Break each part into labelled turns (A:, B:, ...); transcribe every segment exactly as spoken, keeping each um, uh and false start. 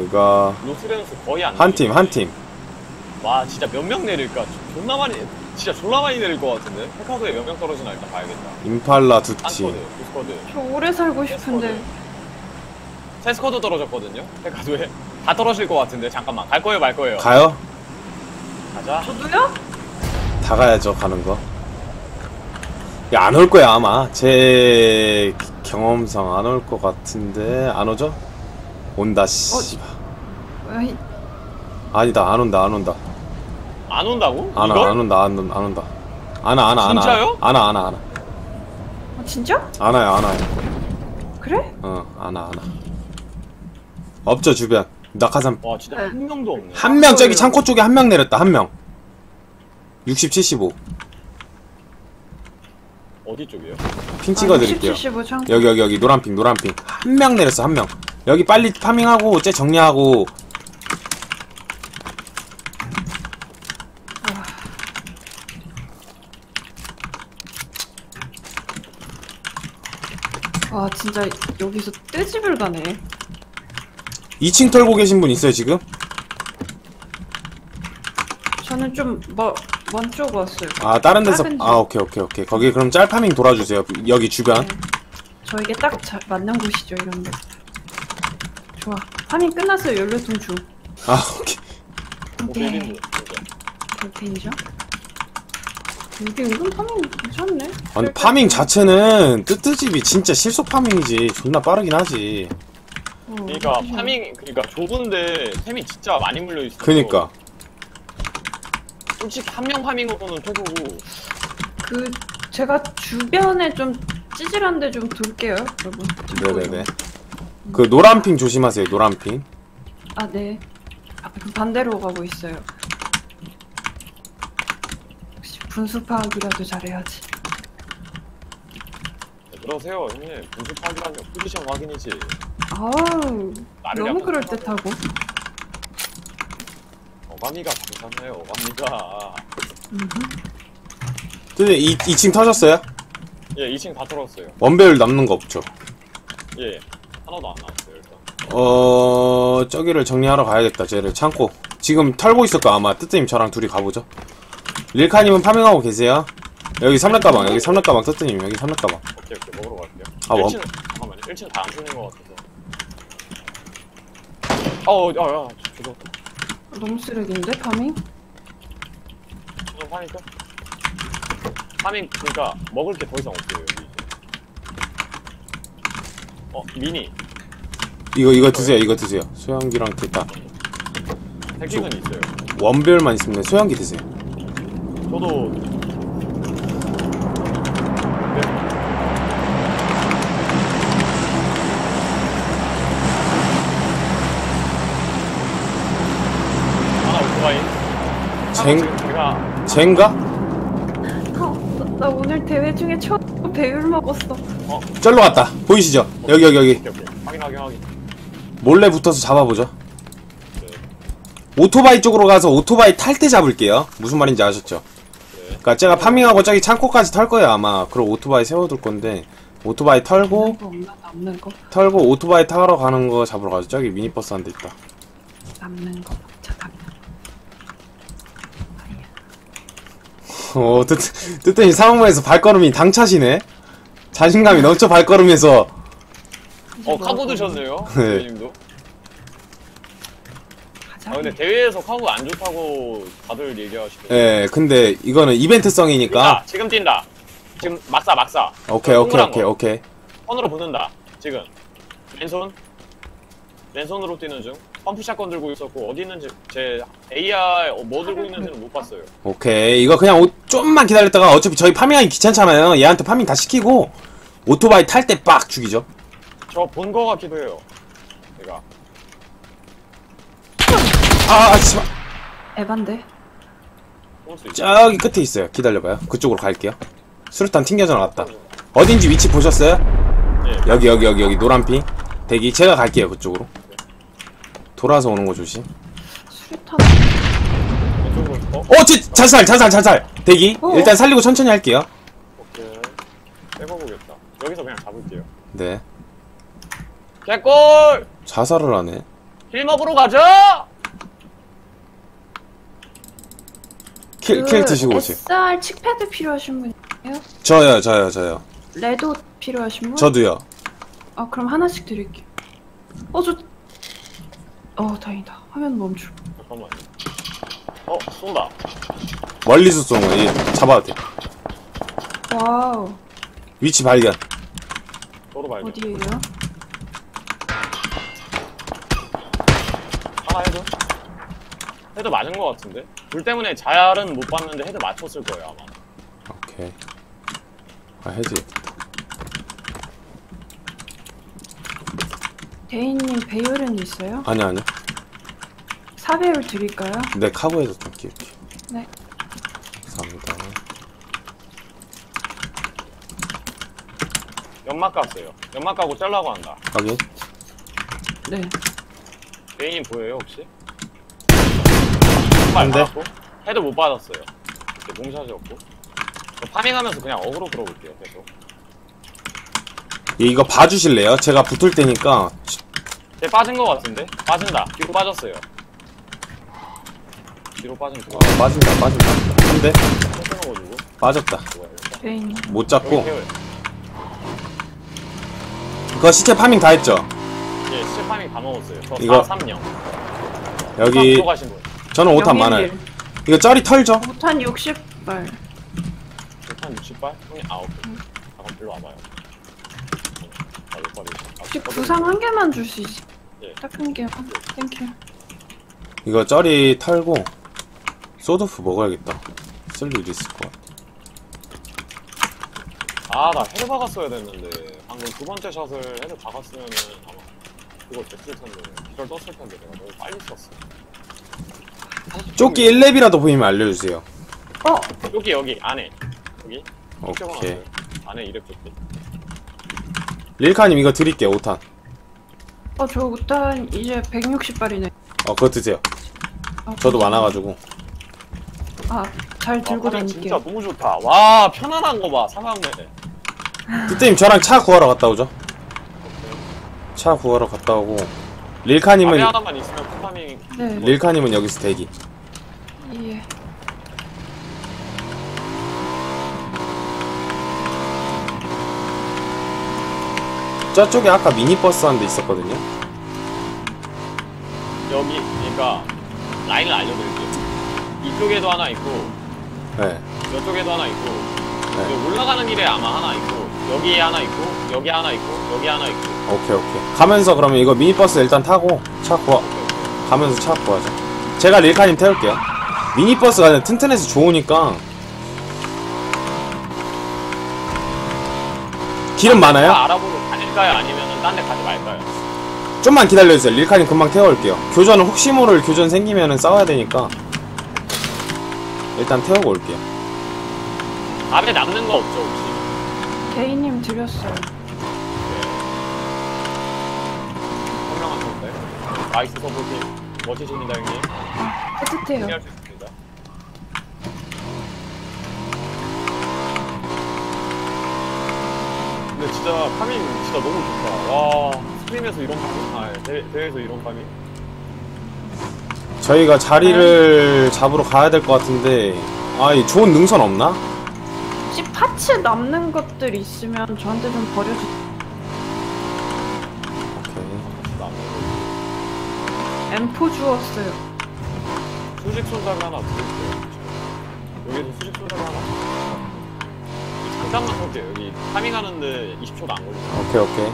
A: 로스가
B: 로스레노스 거의 안
A: 한 팀, 한 팀.
B: 와 진짜 몇 명 내릴까? 존나 많이 진짜 졸라 많이 내릴 것 같은데? 페카도에 몇 명 떨어지나 일단 봐야겠다.
A: 임팔라 두
B: 한 스쿼드,
A: 팀.
B: 두 스쿼드.
C: 저 오래 살고 싶은데.
B: 세 스쿼드 떨어졌거든요? 페카도에. 다 떨어질 것 같은데 잠깐만 갈 거예요 말 거예요?
A: 가요?
B: 가자.
C: 저도요?
A: 다 가야죠, 가는 거. 야, 안 올 거야, 아마. 제 경험상 안 올 것 같은데, 안 오죠? 온다, 씨.
C: 어이,
A: 아니다, 안 온다, 안 온다.
B: 안 온다고?
A: 안 와,
B: 이걸?
A: 안 온다, 안 온다, 안 온다. 안 와, 안 와, 안 와.
B: 진짜요?
A: 안 와, 안 와, 안 와.
C: 아, 진짜?
A: 안 와요, 안 와요.
C: 그래?
A: 어, 안 와, 안 와. 없죠, 주변. 낙하산.
B: 와 진짜
C: 네.
B: 한 명도 없네.
A: 한 명, 저기 창고 쪽에 한 명 내렸다, 한 명. 육십, 칠십오.
B: 어디 쪽이에요?
A: 핑 찍어드릴게요.
C: 아, 칠십오 창.
A: 여기, 여기, 여기, 노란핑, 노란핑. 한 명 내렸어, 한 명. 여기 빨리 파밍하고, 쟤 정리하고.
C: 와 진짜 여기서 떼집을 가네.
A: 이 층 털고 계신 분 있어요, 지금?
C: 저는 좀 뭐, 먼 쪽 왔어요.
A: 아, 다른 데서.
C: 작은 집.
A: 아, 오케이, 오케이, 오케이. 거기 그럼 짤파밍 돌아주세요. 여기 주변.
C: 네. 저에게 딱 자, 맞는 곳이죠 이런데. 좋아. 파밍 끝났어요. 연료통 주.
A: 아, 오케이.
C: 오케이.
B: 오케이.
C: 볼펜이죠. 이게 은근 파밍 괜찮네.
A: 아, 근데 파밍 자체는 뜨뜨집이 진짜 실속 파밍이지. 존나 빠르긴 하지.
C: 어,
B: 그러니까
C: 그죠.
B: 파밍 그러니까 좁은데 템이 진짜 많이 물려 있어.
A: 그니까.
B: 솔직히 한 명 파밍으로는 최고고.
C: 그 제가 주변에 좀 찌질한데 좀 돌게요, 여러분.
A: 네네네. 그 노란핑 조심하세요, 노란핑.
C: 아 네. 아, 그 반대로 가고 있어요. 역시 분수 파악이라도 잘해야지.
B: 네, 그러세요 형님. 분수 파악이라면 포지션 확인이지.
C: 아우
B: 나를
C: 너무
B: 약간
C: 그럴 듯하고.
B: 어감이가 괜찮아요. 어감이가.
A: 근데 이, 이 층 터졌어요?
B: 예, 이 층 다 털었어요.
A: 원배율 남는 거 없죠?
B: 예, 하나도 안 나왔어요 일단.
A: 어... 저기를 정리하러 가야겠다, 쟤를. 창고. 지금 털고 있을 거 아마. 뜨뜨님 저랑 둘이 가보죠. 릴카님은 파밍하고 계세요. 여기 삼렙 가방, 여기 삼렙 가방, 뜨뜨님 여기 삼렙 가방.
B: 오케이 오케이 먹으러 갈게요.
A: 아, 원-
B: 일 층 잠깐만요. 일 층 다 안 쏘는 것 같아서. 어우, 야, 야, 저거
C: 너무 쓰레기인데 파밍?
B: 저거 파니까. 파밍 그러니까 먹을 게 더 이상 없어요 여기. 이제. 어, 미니.
A: 이거, 이거 드세요, 이거 드세요. 소형기랑 됐다.
B: 핵기는 있어요.
A: 원배율만 있으면 소형기 드세요.
B: 저도. 네. 하나 오토바이.
A: 쟁,
B: 지금 제가
A: 쟁가?
C: 아, 나, 나 오늘 대회 중에 처음 배율 먹었어.
A: 쩔로 갔다. 보이시죠? 여기, 여기, 여기.
B: 오케이 오케이 확인 확인 확인.
A: 몰래 붙어서 잡아보죠.
B: 네.
A: 오토바이 쪽으로 가서 오토바이 탈 때 잡을게요. 무슨 말인지 아셨죠?
B: 네.
A: 그니까 제가 파밍하고 저기 창고까지 털 거예요, 아마. 그럼 오토바이 세워둘 건데. 오토바이 털고,
C: 남는 거 없나? 남는 거?
A: 털고 오토바이 타러 가는 거 잡으러 가죠. 저기 미니버스 한 대 있다.
C: 남는 거 먹자. 남는 거.
A: 어, 뜨, 뜨뜻이 사무실에서 발걸음이 당차시네? 자신감이 넘쳐 발걸음에서.
C: 이제
B: 어
C: 먹어.
B: 카고 드셨네요.
A: 네.
B: 대표님도.
C: 가자.
B: 아 근데 대회에서 카고 안 좋다고 다들 얘기하시더라고요.
A: 예, 근데 이거는 이벤트성이니까.
B: 뛴다. 지금 뛴다. 지금 막사 막사.
A: 오케이, 오케이,
B: 동그란
A: 오케이,
B: 거.
A: 오케이.
B: 손으로 붙는다. 지금. 왼손. 왼손으로 뛰는 중. 펌프샷건 들고 있었고 어디 있는지 제 에이알 뭐 들고 있는지는 못 봤어요.
A: 오케이. 이거 그냥 오, 좀만 기다렸다가 어차피 저희 파밍하기 귀찮잖아요. 얘한테 파밍 다 시키고 오토바이 탈 때 빡 죽이죠.
B: 저 본 거 같기도 해요. 제가.
A: 아, 아, 씨발.
C: 에반데.
B: 볼 수 있죠.
A: 저기 끝에 있어요. 기다려봐요. 그쪽으로 갈게요. 수류탄 튕겨져 나갔다. 어딘지 위치 보셨어요?
B: 예.
A: 여기, 여기, 여기, 여기 노란핑. 대기. 제가 갈게요. 그쪽으로. 돌아서 오는 거 조심.
C: 수류탄.
B: 왼쪽으로. 어?
A: 어, 제, 자살, 자살, 자살. 대기.
C: 어?
A: 일단 살리고 천천히 할게요.
B: 오케이. 빼고 보겠다. 여기서 그냥 잡을게요.
A: 네.
B: 개꿀!
A: 자살을 하네.
B: 힐 먹으러 가자!
A: 킬, 킬 드시고 오세요.
C: 에스알 칙패드 필요하신 분이에요?
A: 저요, 저요, 저요.
C: 레도 필요하신 분?
A: 저도요.
C: 아 그럼 하나씩 드릴게요. 어 저. 어 다행이다. 화면 멈추.
B: 잠깐만. 어, 쏜다.
A: 멀리서 쏘는 거, 얘 잡아도 돼.
C: 와우.
A: 위치 발견.
B: 도로 발견.
C: 어디에요?
B: 하나 헤드? 헤드 맞은 거 같은데? 불 때문에 자яр은 못 봤는데 헤드 맞췄을 거예요, 아마.
A: 오케이. 아, 해지.
C: 대인님 배율은 있어요?
A: 아니, 아니.
C: 사 배율 드릴까요?
A: 내 카고에서 좀 끼울게.
C: 네.
A: 감사합니다.
B: 연막 깠어요. 연막 까고 짤라고 한다.
A: 확인.
C: 네.
B: 메인님 보여요, 혹시? 발
A: 안 돼.
B: 맞았고 헤드 못 받았어요. 이렇게 몽샷이었고. 저 파밍하면서 그냥 어그로 끌어볼게요, 계속.
A: 얘 이거 봐주실래요? 제가 붙을 테니까.
B: 쟤 빠진 거 같은데? 빠진다. 뒤로 빠졌어요. 뒤로 빠진 그거.
A: 어, 빠진다, 빠진다. 한 대.
B: 탱탱어가지고.
A: 빠졌다.
B: 좋아요.
C: 대인님.
A: 못
B: 여기
A: 잡고.
B: 태워요.
A: 그거 시체 파밍 다 했죠?
B: 예, 시체 파밍 다 먹었어요. 저
A: 이거-
B: 사 삼 영.
A: 여기.
B: 들어가신 분.
A: 저는 오탄 많아요. 이거 쩌리 털죠?
C: 오탄 육십 발.
B: 한 육십 발? 형님, 아, 오케이. 잠깐, 일로 와봐요. 아, 몇 발이지? 아,
C: 혹시
B: 저도-
C: 구상 한 개만 줄 수 있어요?
B: 예.
C: 딱 한 개요. 땡큐.
A: 이거 쩌리 털고. 소드프 먹어야겠다. 쓸 일 있을 것 같아.
B: 아, 나 헤드 박았어야 됐는데. 방금 두 번째 샷을 헤드 박았으면은 아마 그거 됐을 텐데. 기절 떴을 텐데. 내가 너무 빨리 썼어.
A: 조끼 일 렙이라도 보이면 알려주세요.
C: 어
B: 여기, 여기, 안에. 여기.
A: 오케이.
B: 안에 이랩 조끼.
A: 릴카님 이거 드릴게요, 오탄.
C: 어, 저 오탄 이제 백육십 발이네.
A: 어, 그거 드세요.
C: 아,
A: 저도 많아가지고.
C: 아, 잘 들고
B: 아, 진짜
C: 다닐게요.
B: 너무 좋다. 와, 편안한 거 봐. 사막네.
A: 그때님 저랑 차 구하러 갔다 오죠. 차 구하러 갔다 오고. 릴카님은,
B: 앞에 하나만 있으면 쿠파밍.
C: 네.
A: 릴카님은 여기서 대기.
C: 예.
A: 저쪽에 아까 미니버스 한 대 있었거든요.
B: 여기, 그러니까 라인을 알려드릴게요. 이쪽에도 하나 있고,
A: 네.
B: 이쪽에도 하나 있고,
A: 네.
B: 여기 올라가는 길에 아마 하나 있고, 여기에 하나 있고, 여기 하나 있고, 여기 하나 있고.
A: 오케이, 오케이. 가면서 그러면 이거 미니버스 일단 타고 차 구하,
B: 오케이, 오케이.
A: 가면서 차 구하자. 제가 릴카님 태울게요. 미니버스가 튼튼해서 좋으니까. 기름 많아요?
B: 다 알아보고 다닐까요? 아니면 딴 데 가지 말까요?
A: 좀만 기다려주세요. 릴카님 금방 태워올게요. 교전은 혹시 모를 교전 생기면은 싸워야 되니까. 일단 태우고 올게요.
B: 앞에 남는 거 없죠, 혹시?
C: 개인님 드렸어요.
B: 네. 현명한 건데. 나이스 서포팅. 멋지십니다, 형님.
C: 따뜻해요.
B: 승리할 수 있습니다. 근데 진짜 파밍 진짜 너무 좋다. 와, 스트림에서 이런 파밍, 아, 대, 대회에서 이런 파밍.
A: 저희가 자리를 잡으러 가야 될 것 같은데. 아, 이 좋은 능선 없나?
C: 혹시 파츠 남는 것들 있으면 저한테 좀 버려주세요.
A: 오케이.
C: 엠 사 주웠어요.
B: 수직 손잡이 하나 드릴게요. 여기도 수직 손잡이 하나. 잠깐만 볼게요. 여기 파밍하는데 이십 초도 안 걸리죠.
A: 오케이, 오케이.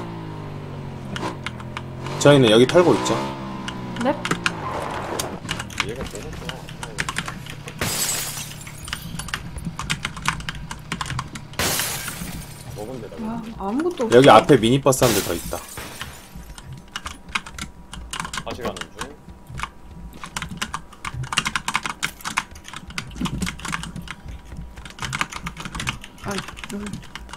A: 저희는 여기 털고 있죠.
C: 넵.
B: 얘가 너무 좋아. 먹은 데다가.
C: 아, 아무것도 없어.
A: 여기 앞에 미니버스 한 대 더 있다.
B: 다시 가는 중.
C: 아, 여기.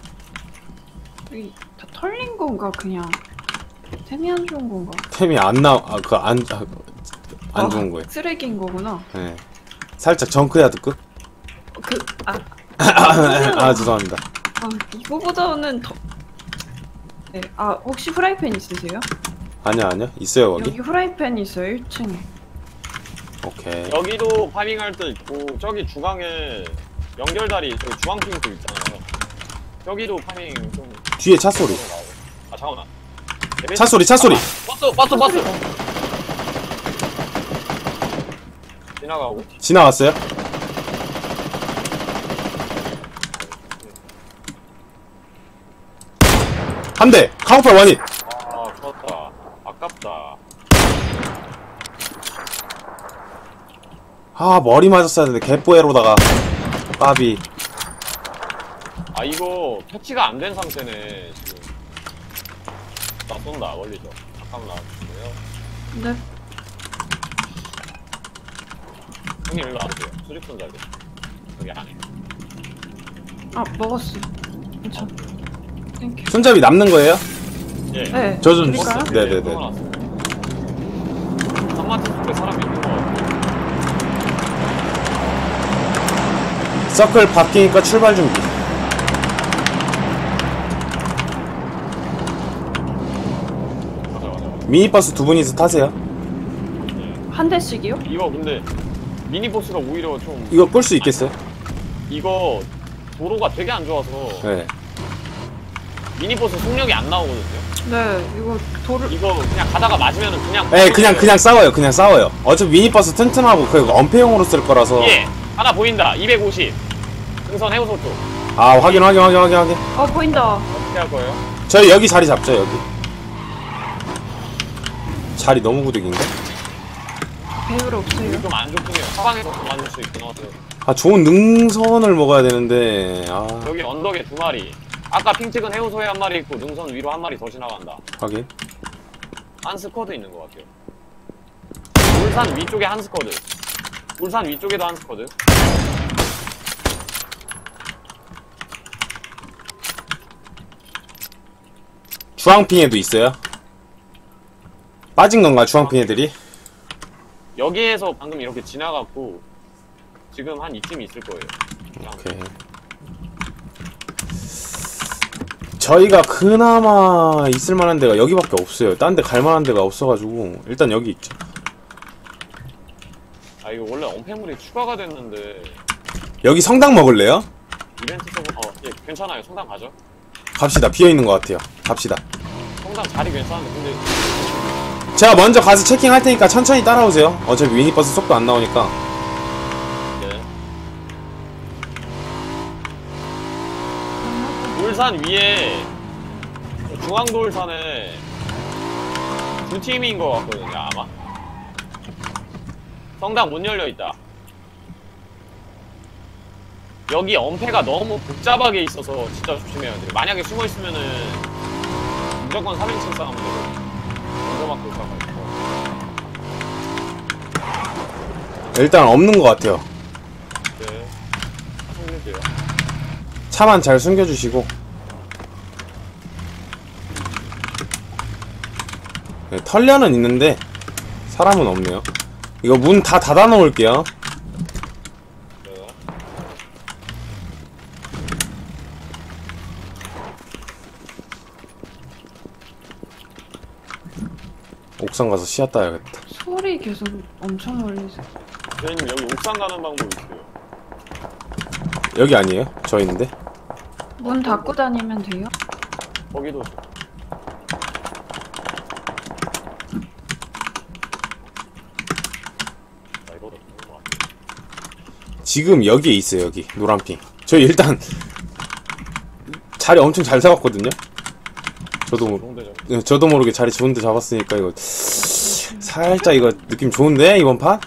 C: 여기 다 털린 건가, 그냥. 템이 안 좋은 건가?
A: 템이 안 나, 아, 그, 안, 아, 안
C: 아,
A: 좋은 거예요.
C: 쓰레기인 거구나.
A: 네. 살짝 정크야드 끝?
C: 그, 아,
A: 아, 죄송합니다.
C: 아, 이거보다는 더. 네, 아, 혹시 프라이팬 있으세요?
A: 아니야 아니야 있어요 거기.
C: 여기 후라이팬 있어요 일 층에.
A: 오케이.
B: 여기도 파밍할 때 있고 저기 중앙에 연결다리 저기 중앙핑도 있잖아요. 여기도 파밍 좀
A: 뒤에 차 소리.
B: 아 잠깐만.
A: 차 소리 차 소리.
B: 버스 버스 버스. 지나가고.
A: 지나갔어요? 한 대! 카우팔 원잇!
B: 아 좋았다. 아깝다.
A: 아 머리 맞았어야 되는데 개뽀에로다가 까비.
B: 아 이거 패치가 안 된 상태네 지금. 나 쏜다 멀리서. 잠깐만 나와주세요.
C: 네.
B: 형님 일로 와주세요. 수직선 잘 돼. 여기 안에.
C: 아 먹었어. 괜찮아. 땡큐.
A: 손잡이 남는 거예요?
B: 예.
C: 네.
A: 저 좀
C: 드릴까요?
A: 주세요. 네네네.
B: 한마디 속에 사람이 있는 거 같아.
A: 서클 바뀌니까 출발 준비.
B: 맞아 맞아 맞아.
A: 미니버스 두 분이서 타세요.
C: 한 대씩이요?
B: 이거 근데 미니버스가 오히려 좀
A: 이거 끌 수 있겠어요?
B: 이거 도로가 되게 안 좋아서
A: 네.
B: 미니버스 속력이 안 나오거든요.
C: 네. 이거 돌을
B: 이거 그냥 가다가 맞으면은 그냥
A: 네, 그냥 그냥 싸워요. 그냥 싸워요. 어차피 미니버스 튼튼하고 그 엄폐용으로 쓸 거라서.
B: 예 하나 보인다. 이백오십 등선 해우소 쪽
A: 아 확인 확인 확인 확인 확인.
C: 어 보인다.
B: 어떻게 할 거예요?
A: 저희 여기 자리 잡죠 여기. 자리 너무 구득인데?
C: 배율 없어요.
B: 좀 안 좋긴 해요. 사방에서 맞을 수 있긴 하고요.
A: 아 좋은 능선을 먹어야 되는데. 아
B: 여기 언덕에 두 마리. 아까 핑 찍은 해우소에 한 마리 있고 능선 위로 한 마리 더 지나간다.
A: 확인.
B: 한 스쿼드 있는 것 같아요. 울산 위쪽에 한 스쿼드. 울산 위쪽에도 한 스쿼드.
A: 주황핑에도 있어요? 빠진 건가 주황핑 애들이?
B: 여기에서 방금 이렇게 지나갔고 지금 한 이쯤 있을 거예요.
A: 오케이. 저희가 그나마 있을 만한 데가 여기밖에 없어요. 딴 데 갈 만한 데가 없어가지고 일단 여기 있죠.
B: 아 이거 원래 엄폐물이 추가가 됐는데
A: 여기 성당 먹을래요?
B: 이벤트적으로 어, 예 괜찮아요. 성당 가죠.
A: 갑시다. 비어있는 것 같아요. 갑시다.
B: 성당 자리 괜찮은데 근데
A: 제가 먼저 가서 체킹할 테니까 천천히 따라오세요. 어차피 미니버스 속도 안 나오니까.
B: 네. 울산 위에 중앙도 울산에 두 팀인 것 같거든요 아마. 성당 문 열려 있다. 여기 엄폐가 너무 복잡하게 있어서 진짜 조심해야 돼요. 만약에 숨어 있으면은 무조건 삼 인칭 싸우면 되거든요. 먼저 맞고 싸워가지고.
A: 일단 없는 것 같아요.
B: 네. 숨길게요.
A: 차만 잘 숨겨주시고. 네, 털려는 있는데 사람은 없네요. 이거 문 다 닫아 놓을게요.
B: 네.
A: 옥상 가서 씨앗 따야겠다.
C: 소리 계속 엄청 멀리서.
B: 저희님 여기 옥상 가는 방법 있어요.
A: 여기 아니에요? 저 있는데?
C: 문 닫고 다니면 돼요?
B: 거기도 나 이거도 좋은 것 같아.
A: 지금 여기에 있어요. 여기 노란핑. 저희 일단 자리 엄청 잘 잡았거든요. 저도 모-
B: 좋은데 좀.
A: 네, 저도 모르게 자리 좋은데 잡았으니까 이거 살짝 이거 느낌 좋은데 이번 판?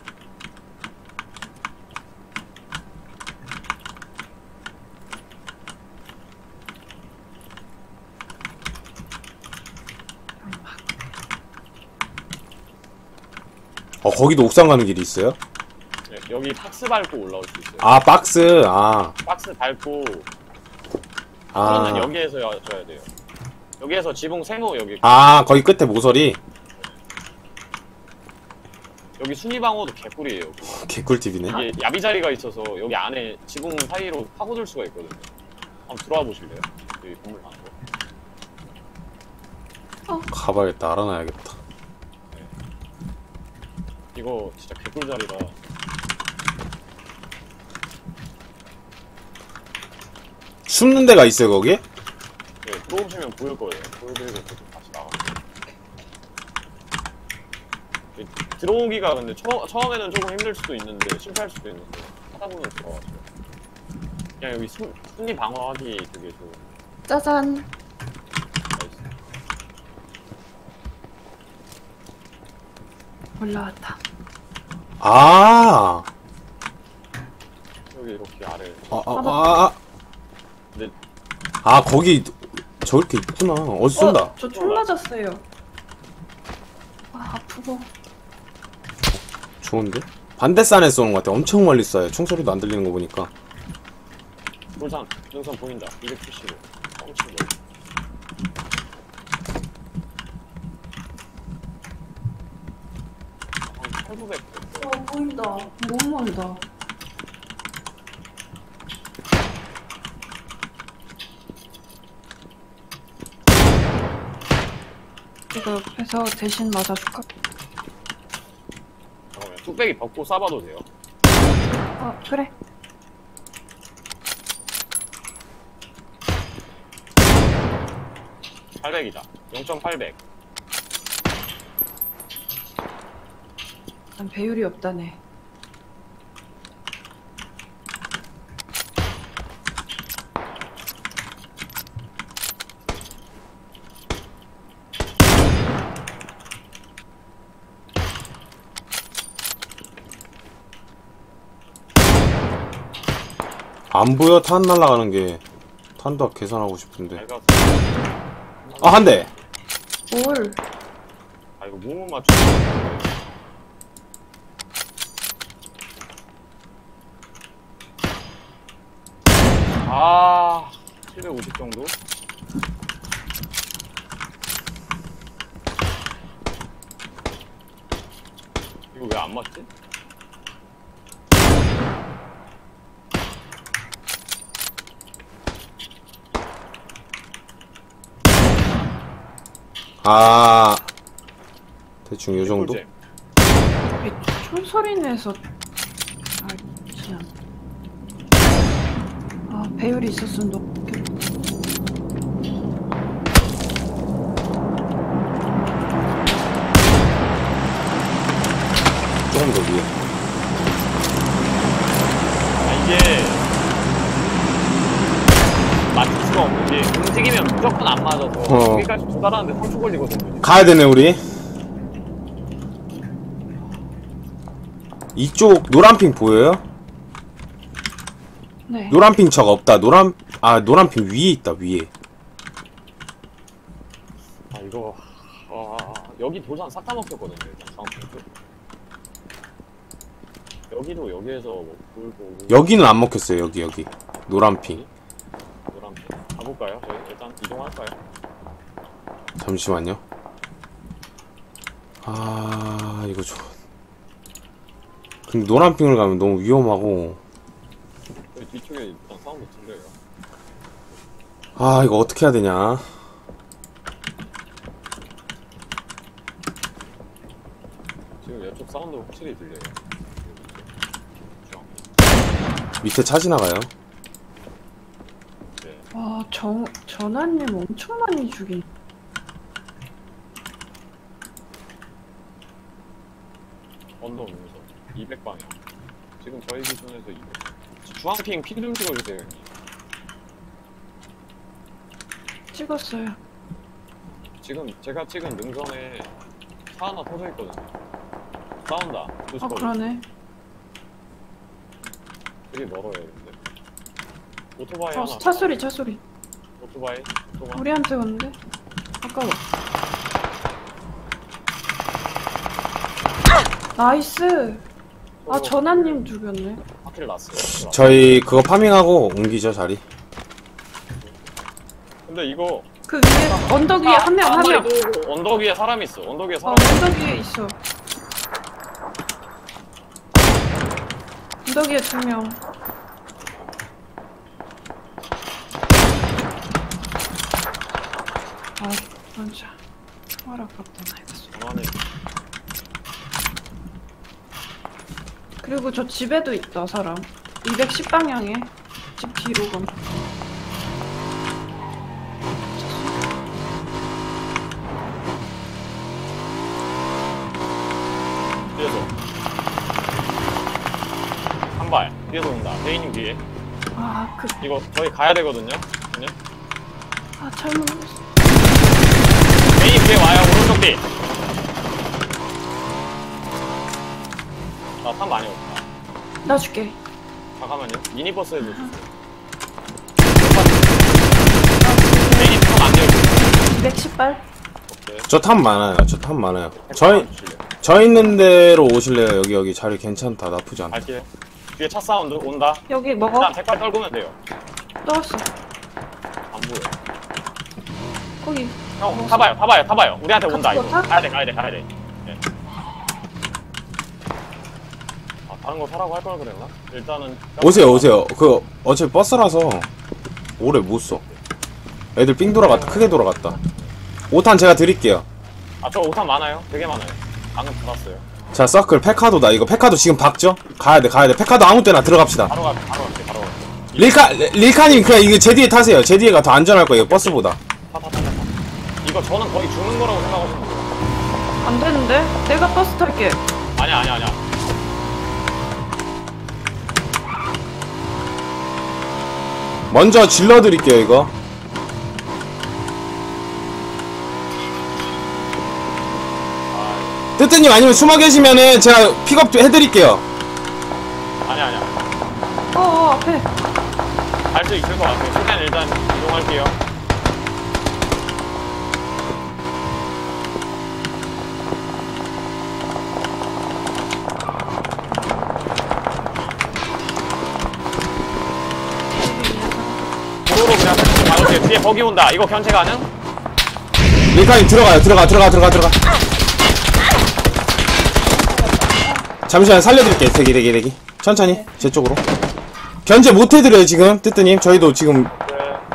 A: 어 거기도 옥상 가는 길이 있어요?
B: 네, 여기 박스 밟고 올라올 수 있어요.
A: 아 박스 아
B: 박스 밟고
A: 아,
B: 그러면 여기에서 줘야 돼요. 여기에서 지붕 세모 여기
A: 아 거기 끝에 모서리
B: 여기 순위방어도 개꿀이에요. 여기.
A: 개꿀팁이네.
B: 이게 야비자리가 있어서 여기 안에 지붕 사이로 파고들 수가 있거든요. 한번 들어와 보실래요? 여기 건물 안으로.
C: 어.
A: 가봐야겠다. 알아놔야겠다.
B: 이거 진짜 개꿀자리라.
A: 숨는 데가 있어요 거기?
B: 네, 들어오시면 보일 거예요. 보여드리고 또 다시 나가. 네, 들어오기가 근데 처, 처음에는 조금 힘들 수도 있는데 실패할 수도 있는데 하다 보면 들어가죠. 그냥 여기 숨, 숨리 방어하기 되게 좋은.
C: 짜잔.
B: 나이스.
C: 올라왔다.
A: 아,
B: 여기 이렇게 아래.
A: 아, 아, 아, 아,
B: 근데
A: 아 거기 저렇게 있구나. 어디서 쏜다.
C: 어, 저 총 맞았어요. 아, 아프고.
A: 좋은데? 반대산에 쏘는 것 같아. 엄청 멀리 쏴요. 총소리도 안 들리는 거 보니까.
B: 돌산 능선 보인다. 이백칠십오. 엄청 멀리. 한 팔구백.
C: 어, 보인다. 너무 멀다. 이거 옆에서 대신 맞아줄까?
B: 잠깐만요. 뚝배기 벗고 쏴봐도 돼요.
C: 어, 그래.
B: 팔백이다. 영점팔백.
C: 난 배율이 없다네.
A: 안 보여. 탄 날아가는 게. 탄도 계산하고 싶은데.
B: 밝아서.
A: 아, 한 대.
C: 뭘?
B: 아 이거 몸을 맞추. 아 칠백오십 정도? 이거 왜 안 맞지?
A: 아, 대충 요 정도?
B: 꿀잼.
C: 이 총소리 내서. 아, 참. 아, 배율이 있었으면 높겠다.
A: 조금 더 위에.
B: 아 이게 맞출 수가 없는 게 움직이면 무조건 안 맞아서
A: 어.
B: 여기까지 도달하는데 삼 초 걸리거든요.
A: 가야 되네, 우리. 이쪽 노란핑 보여요?
C: 네.
A: 노란핑 척 없다. 노란, 아, 노란핑 위에 있다, 위에.
B: 아 이거 아, 여기 도장 싹 다 먹혔거든요. 일단 상품 쪽. 여기도 여기에서 뭐 돌고
A: 여기는 안 먹혔어요, 여기, 여기. 노란핑.
B: 노란 핑 가볼까요? 저희 일단 이동할까요?
A: 잠시만요. 아, 이거 좋아. 근데 노란핑을 가면 너무 위험하고.
B: 여기 뒤쪽에 일단 사운드 들려요.
A: 아, 이거 어떻게 해야 되냐.
B: 지금 이쪽 사운드 확실히 들려요. 주황.
A: 밑에 차 지나가요.
B: 네.
C: 와, 정, 전화님 엄청 많이 죽인.
B: 언더 오면서 이백 방향. 지금 저희 기준에서 이백. 주황핑 피 좀 찍어주세요, 형님.
C: 찍었어요.
B: 지금 제가 찍은 능선에 차 하나 터져 있거든요. 싸운다.
C: 아,
B: 조심하고.
C: 그러네.
B: 되게 멀어요, 근데. 오토바이
C: 어,
B: 하나.
C: 차 소리, 차 소리.
B: 오토바이. 오토바이.
C: 우리한테 오는데? 아까워. 나이스! 아,
B: 서로
C: 전화님 죽였네.
B: 바퀴를 놨어요.
A: 저희 그거 파밍하고 옮기죠, 자리.
B: 근데 이거
C: 그 위에, 언덕 위에 한 명, 한 명.
B: 마리도 언덕 위에 사람이 있어. 언덕 위에
C: 어,
B: 사람.
C: 언덕 위에 있어. 언덕 위에 두 명. 아, 진짜. 총알 아깝다 나 이거 쏘.
B: 전화는
C: 그리고 저 집에도 있다 사람. 이백십 방향에 집 뒤로 감.
B: 뒤에서 한 발 뒤에서 온다. 대인님 뒤에.
C: 아그
B: 이거 저희 가야 되거든요. 그냥
C: 아 잘못 눌렀어.
B: 대인님 뒤에 와요. 오른쪽 뒤. 나탄 많이 없다.
C: 나 줄게.
B: 잠깐만요. 미니버스에도 주세요. 대인님 탑안 돼요.
C: 이백십 발.
B: 오케이.
A: 저 탑 많아요. 저 탑 많아요. 저희 저 있는 데로 오실래요? 여기 여기 자리 괜찮다. 나쁘지 않다.
B: 갈게요. 뒤에 차 사운드 온다.
C: 여기 먹어.
B: 일단 색깔 떨구면 돼요.
C: 떨었어.
B: 안 보여.
C: 거기.
B: 형 타봐요, 타봐요, 타봐요. 우리한테 온다
C: 같이
B: 이거.
C: 타?
B: 가야 돼, 가야 돼, 가야 돼. 예. 아 다른 거 사라고 할 걸 그랬나? 일단은
A: 오세요 오세요. 그 어차피 버스라서 오래 못 써. 애들 삥 돌아갔다. 크게 돌아갔다. 오 탄 제가 드릴게요.
B: 아저 오탄 많아요. 되게 많아요. 방금 받았어요.
A: 자 서클 페카도다. 이거 페카도 지금 박죠? 가야돼 가야돼. 페카도 아무 때나 들어갑시다.
B: 바로 가, 바로 갈게, 바로 갈게.
A: 릴카 릴카님 그냥 이거 제 뒤에 타세요. 제 뒤에가 더 안전할 거예요. 버스보다.
B: 타, 타, 타, 타. 이거 저는 거의 죽는 거라고 생각하시면 돼요.
C: 안 되는데? 내가 버스 탈게.
B: 아니야, 아니야, 아니야.
A: 먼저 질러드릴게요 이거.
B: 아,
A: 뜨뜨님 아니면 숨어 계시면은 제가 픽업 해드릴게요.
B: 아니야, 아니야.
C: 어어 앞에.
B: 갈 수 있을 것 같아요. 최대한 일단 이동할게요. 도로로 그냥 살짝 막을게요. 뒤에 버기 온다. 이거 견제 가능?
A: 릴카님 들어가요. 들어가 들어가 들어가 들어가. 잠시만 살려드릴게요. 대기 대기 대기. 천천히 제 쪽으로. 견제 못 해드려요 지금 뜨뜨님. 저희도 지금
B: 네.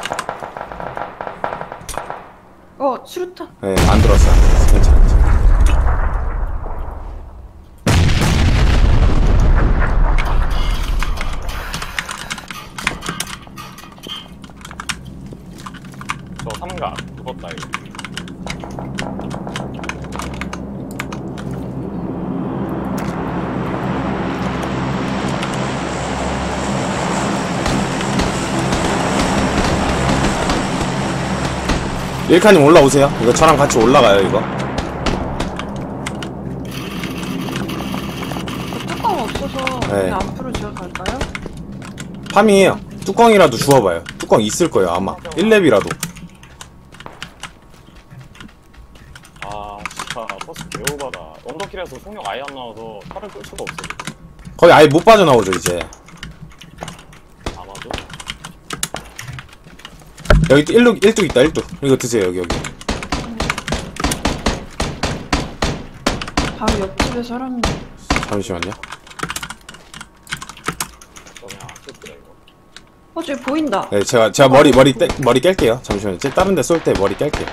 C: 어 수류탄.
A: 네, 안 들었어 안 들었어. 괜찮아 괜찮아.
B: 저 삼각 무겁다 이거.
A: 릴카님 올라오세요. 이거 저랑 같이 올라가요 이거.
C: 뚜껑 없어서
A: 네.
C: 그냥 앞으로 제가 갈까요?
A: 파밍해요. 뚜껑이라도 주워봐요. 뚜껑 있을 거예요 아마. 일 렙이라도.
B: 아 진짜 버스 개오바다. 언더킬에서 속력 아예 안 나와서 차를 끌 수가 없어.
A: 거의 아예 못 빠져나오죠 이제.
B: 아마도.
A: 여기 일뚝 일뚝 있다 일뚝. 이거 드세요 여기 여기.
C: 바로 옆집에 사람.
A: 잠시만요.
B: 저 그냥 안 쓸게요 이거.
C: 어 저기 보인다.
A: 네 제가 제가 머리 머리 떼, 머리 깰게요. 잠시만요. 제 다른 데 쏠 때 머리 깰게요.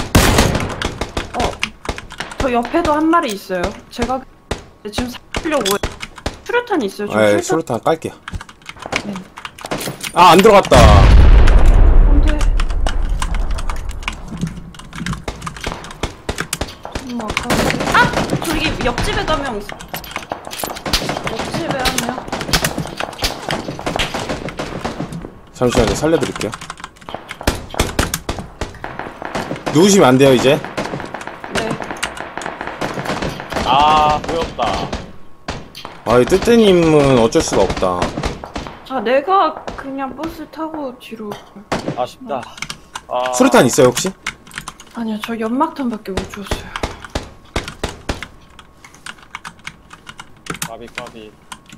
C: 어. 저 옆에도 한 마리 있어요. 제가 지금 살려고 수류탄 있어요. 저
A: 네
C: 수류탄.
A: 수류탄 깔게요.
C: 네.
A: 아 안 들어갔다.
C: 안돼. 너무 아까운데. 아 저기 옆집에도 한 명 있어. 옆집에 한 명.
A: 잠시만요. 살려드릴게요. 누우시면 안 돼요 이제.
C: 네.
B: 아 보였다.
A: 아이 뜨뜨님은 어쩔 수가 없다.
C: 아 내가 그냥 버스 타고 뒤로.
B: 아쉽다. 아
A: 수류탄 있어요 혹시?
C: 아니요 저 연막탄밖에 못 줬어요.
B: 까비 까비.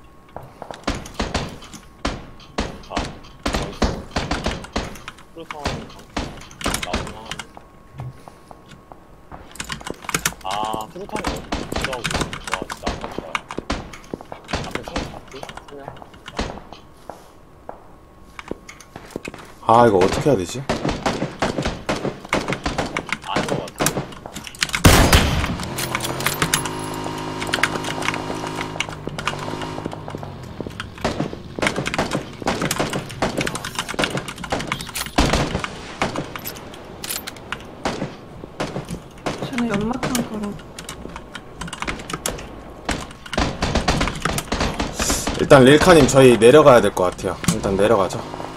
B: 자 나이스. 프루타운 나오나? 아 프루타운이 없더라고. 와 진짜 아깝다. 앞에 총을 잡지? 그냥.
A: 아 이거 어떻게 해야 되지?
B: 아닌 것 같아.
C: 저는 연막탄 걸어.
A: 일단 릴카님 저희 내려가야 될 것 같아요. 일단 내려가죠.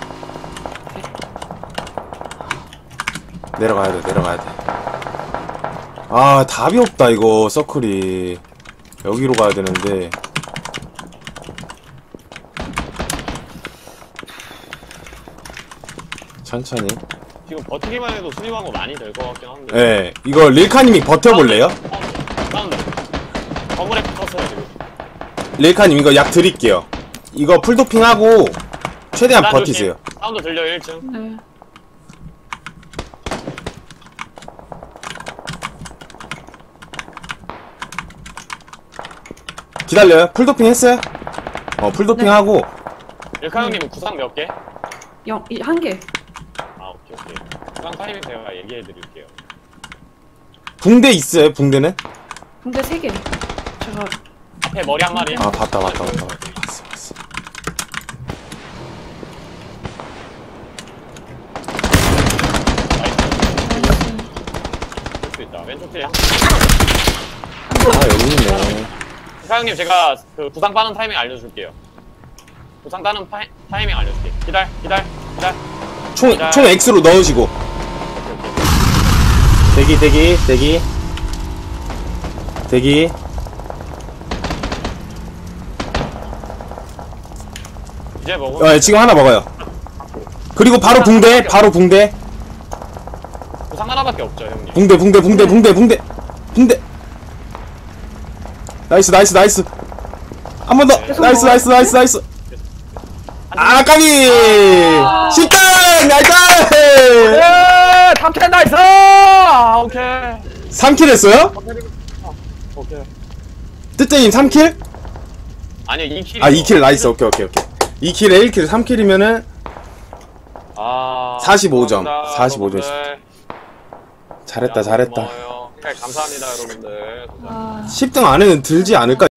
A: 내려가야 돼, 내려가야 돼. 아, 답이 없다, 이거, 서클이. 여기로 가야 되는데. 천천히.
B: 지금 버티기만 해도 수리하고 많이 될 것 같긴 한데.
A: 예, 이거 릴카님이 버텨볼래요?
B: 사운드. 건물에 붙었어요 지금.
A: 릴카님 이거 약 드릴게요. 이거 풀도핑하고 최대한
B: 계단
A: 버티세요.
B: 조심. 사운드 들려 일 층.
C: 네.
A: 기다려요. 풀도핑 했어요? 어, 풀도핑하고
B: 일카 형님은 구상 몇 개?
C: 영, 이, 한 개.
B: 아 오케이 오케이. 구상 타이밍 제가 얘기해 드릴게요.
A: 붕대 있어요, 붕대는?
C: 근데 세 개. 제가
B: 앞에 머리 한 마리.
A: 아, 봤다, 봤다, 봤다, 봤다. 봤어, 봤어.
B: 나이스. 볼수 있다. 왼쪽 뒤에 한.
A: 아, 여기 있네.
B: 일카 형님 제가 그 구상 빠는 타이밍 알려줄게요. 구상 따는 파이, 타이밍 알려줄게. 기다려 기다려 기다려.
A: 총, 총 X로 넣으시고.
B: 오케이 오케이.
A: 대기, 대기, 대기. 대기.
B: 이제 먹어.
A: 어, 지금 하나 먹어요. 그리고 바로 붕대, 바로 붕대.
B: 구상 하나밖에 없죠 형님.
A: 붕대, 붕대, 붕대, 붕대, 붕대. 붕대. 나이스, 나이스, 나이스. 한 번 더. 나이스, 나이스, 나이스, 나이스. 아, 까비! 십 등! 나이스!
B: 예, 탐켄 나이스! 아, 오케이.
A: 삼 킬 했어요?
B: 오케이.
A: 뜨뜨님 삼 킬?
B: 아니요, 이 킬.
A: 아, 이 킬 나이스. 오케이, 오케이, 오케이. 이 킬에 일 킬, 삼 킬이면은
B: 아,
A: 사십오 점.
B: 감사합니다,
A: 사십오 점.
B: 여러분들.
A: 잘했다,
B: 야,
A: 잘했다.
B: 고마워요. 감사합니다, 여러분들. 감사합니다.
C: 아.
A: 십 등 안에는 들지 않을까?